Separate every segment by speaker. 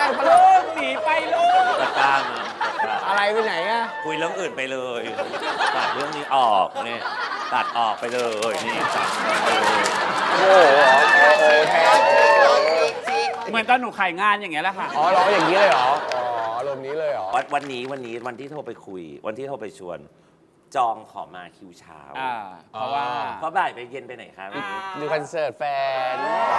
Speaker 1: ปะลูกหนีไปลูก
Speaker 2: ตะกร้าง
Speaker 1: อะไรไปไหนอะ
Speaker 2: คุยเรื่องอื่นไปเลยตัดเรื่องนี้ออกเนี่ยตัดออกไปเลยนี่ตัดเลย
Speaker 1: โอ้โหแทน
Speaker 3: เหมือนตอนหนูขายงานอย่างเงี้ยแหละค่ะ
Speaker 1: อ๋อร้องอย่างนี้เลยเหรออ๋ออารมณ์นี้เลยเหรอ
Speaker 2: วันนี้วันที่โทรไปคุย วันที่โทรไปชวน จองขอมาคิวเช้า
Speaker 3: เพราะว่า
Speaker 2: เพราะบ่ายไปเย็นไปไหนครับ
Speaker 1: ดูคอนเสิร์ตแฟน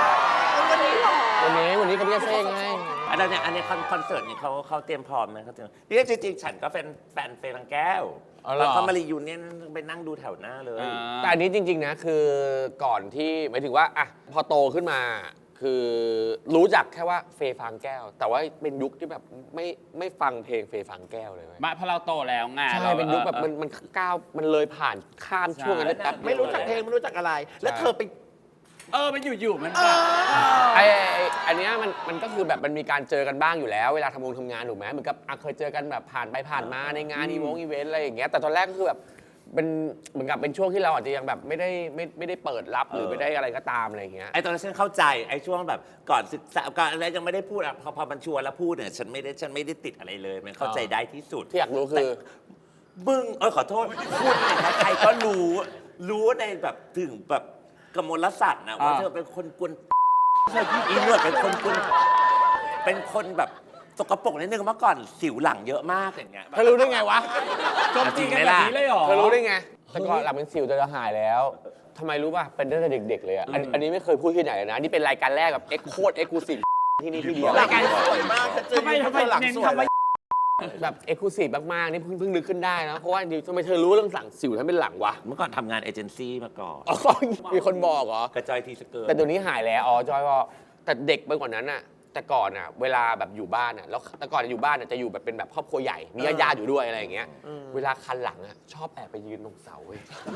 Speaker 1: วันนี้เขาเรียกเซ่ไง
Speaker 2: อันนี้คอนเสิร์ตนี่เขาเตรียมพร้อมนะเขาเตรียมนี่จริงๆฉันก็เป็นแฟนเฟรังแก้ว
Speaker 1: อ๋อเหรอ
Speaker 2: แล้วเขามารียูเนี่ยไปนั่งดูแถวหน้าเลย
Speaker 1: แต่อันนี้จริงๆนะคือก่อนที่หมายถึงว่าอะพอโตขึ้นมาคือรู้จักแค่ว่าเฟย์ฟางแก้ว แต่ว่าเป็นยุคที่แบบไม่ฟังเพลงเฟย์ฟางแก้วเลยเว้ย
Speaker 3: มาพอเราโตแล้วไง
Speaker 1: ใช่เป็นยุคแบบมันก้าวมันเลยผ่านข้ามช่วงนั้นได้แป๊บ
Speaker 4: ไม่รู้จักเพลงไม่รู้จักอะไร แล้วเธอไป
Speaker 3: มันอยู่ๆมันแบบ
Speaker 1: อันเนี้ยมันก็คือแบบมันมีการเจอกันบ้างอยู่แล้ว เวลาทำงานถูกไหมเหมือนกับเคยเจอกันแบบผ่านไปผ่านมาในงานอีเวนต์อะไรอย่างเงี้ยแต่ตอนแรกก็คือแบบเป็นเหมือนกับเป็นช่วงที่เราอาจจะยังแบบไม่ได้เปิดรับหรือไม่ได้อะไรก็ตามอะไรอย่างเงี้ย
Speaker 2: ไอ้ตอนนั้นฉันเข้าใจไอ้ช่วงแบบก่อนศึกษาก่อนอะไรยังไม่ได้พูดอ่ะพอมันชวนแล้วพูดเนี่ยฉันไม่ได้ติดอะไรเลย มันเข้าใจได้ที่สุด
Speaker 1: ที่อยากรู้คือ
Speaker 2: มึงขอโทษพูดเนี่ยนะใครก็รู้ในแบบถึงแบบกมลศักดิ์นะว่าเธอเป็นคนกวนอีนวดเป็นคนกวนเป็นคนแบบสกปรกนิดนึงเมื่อก่อนสิวหลังเยอะมากอย่างเงี้ย
Speaker 1: เธอรู้ได้ไงวะ
Speaker 3: จมตีกันแบบนี้เลยเหรอ
Speaker 1: เธอรู้ได้ไงแต่ก่อนหลังเป็นสิวจะหายแล้วทำไมรู้ป่ะเป็นตั้งแต่เด็กๆเลยอ่ะอันนี้ไม่เคยพูดที่ไหนเลยนะนี่เป็นรายการแรกแบบโคตรเอ็กซ์คลูซีฟที่นี่ที่เดียว
Speaker 4: รายการสวยมากเธอเจอ
Speaker 3: ทำไม
Speaker 4: หลัง
Speaker 3: เน้น
Speaker 4: สวย
Speaker 3: คำว่า
Speaker 1: แบบเอ็กซ์คลูซีฟมากๆนี่เพิ่งนึกขึ้นได้นะเพราะว่าทำไมเธอรู้เรื่องหลังสิวทั้งเป็นหลังวะ
Speaker 2: เมื่อก่อนทำงานเอเจนซี่มาก่อน
Speaker 1: อ๋อมีคนบอกเหรอก
Speaker 2: ระจอยทีสเกิร์ต
Speaker 1: แต่ตัวนี้หายแล้วอ๋อจอยบอกแต่เด็กไปกว่านั้นอ่ะแต่ก่อนอ่ะเวลาแบบอยู่บ้านอ่ะแล้วแต่ก่อนอยู่บ้านอ่ะจะอยู่แบบเป็นแบบครอบครัวใหญ่มีญาติๆอยู่ด้วยอะไรอย่างเงี้ยเวลาคันหลังอ่ะชอบแอบไปยืนตรงเสาเว้ย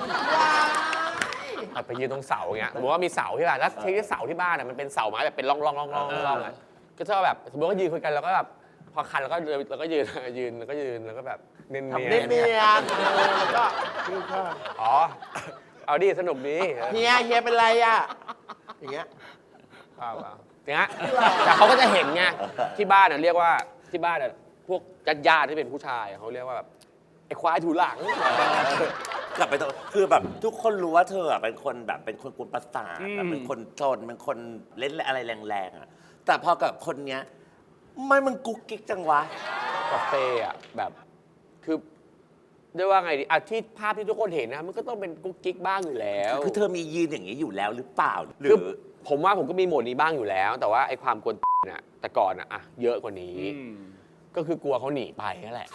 Speaker 1: แอบไปยืนตรงเสาอย่างเงี้ยสมมติว่ามีเสาที่บ้านแล้วที่เสาที่บ้านอ่ะมันเป็นเสาไม้แบบเป็นร่องอ่ะก็ชอบแบบสมมติว่ายืนคุยกันแล้วก็แบบพอคันแล้วก็ยืนแล้วก็แบบเนียน
Speaker 4: ทำเนียนแล้วก็นี่ค่ะ
Speaker 1: อ๋อเอาดิสนุกดี
Speaker 4: เฮียเป็นไรอ่ะอย่างเงี้ย
Speaker 1: เปล่าอย่างเงี้ยแต่เขาก็จะเห็นไงที่บ้านเรียกว่าที่บ้านพวกญาติที่เป็นผู้ชายเขาเรียกว่าแบบไอ้ควายถูหลัง
Speaker 2: กลับไปตรงคือแบบทุกคนรู้ว่าเธออะเป็นคนแบบเป็นคนกวนประสาทแบบเป็นคนโจรเป็นคนเล่นอะไรแรงๆอ่ะแต่พอกับคนเนี้ยไม่มึงกุ๊กกิ๊กจังวะ
Speaker 1: กาแฟอ่ะแบบคือด้วยว่าไงดีอ่ะที่ภาพที่ทุกคนเห็นนะมันก็ต้องเป็นกุ๊กกิ๊กบ้างอยู่แล้ว
Speaker 2: คือเธอมียืนอย่างนี้อยู่แล้วหรือเปล่าหรื
Speaker 1: คือผมว่าผมก็มีโหมดนี้บ้างอยู่แล้ว แต่ว่าไอ้ความกวนน่ะแต่ก่อนอ่ะเยอะกว่านี้ก็คือกลัวเขาหนีไปนั่นแหละ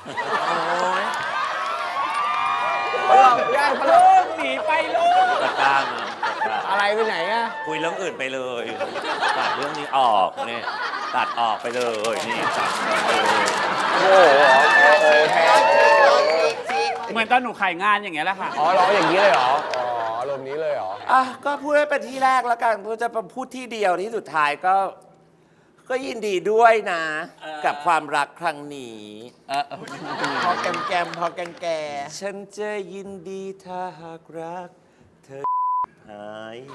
Speaker 3: ได้ปะลูกหนีไปลูก
Speaker 2: ตะกร้าง
Speaker 1: อะไรไปไหนอะ
Speaker 2: คุยเรื่องอื่นไปเลยตัดเรื่องนี้ออกเนี่ยตัดออกไปเลยนี่ตัดเลย
Speaker 1: โอ้โหแทน
Speaker 3: เหมือนตอนหนูขายงานอย่างเงี้ยแหละค่ะ
Speaker 1: อ๋อร้องอย่างนี้เลยเหรออ๋ออารมณ์นี้เลยเหรอ
Speaker 2: อ่ะก็พูดให้เป็นที่แรกแล้วกันพูดจะพูดที่เดียวที่สุดท้ายก็ยินดีด้วยนะ กับความรักครั้งนี้
Speaker 4: พอแกมพอแก
Speaker 2: ฉันจะยินดีถ้าหากรัก เธอหาย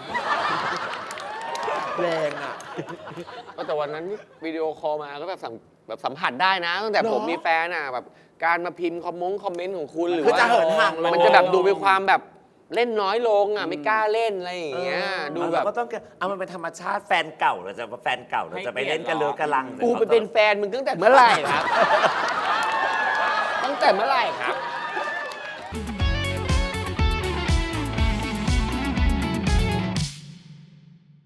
Speaker 4: แรงอ่ะ
Speaker 1: แต่วันนั้นวิดีโอคอลมาก็แบบสัมผัสได้นะตั้งแต่ผมมีแฟนอ่ะแบบการมาพิมพ์คอมเมนต์ของคุณหรือ
Speaker 4: คือ
Speaker 1: ว่า
Speaker 4: จะเหินห่างลง
Speaker 1: มันจะแบบดูมีความแบบเล่นน้อยลงอ่ะไม่กล้าเล่นอะไรอย่างเงี้ยดูแบบ
Speaker 2: เราก็ต้องเอามันเป็นธรรมชาติแฟนเก่าเราจะแฟนเก่าเราจะไปเล่นกันเลือกระลัง
Speaker 1: กูไปเป็นแฟนมึงตั้งแต่เมื่อไหร่ครับ ตั้งแต่เมื่อไหร่ครับ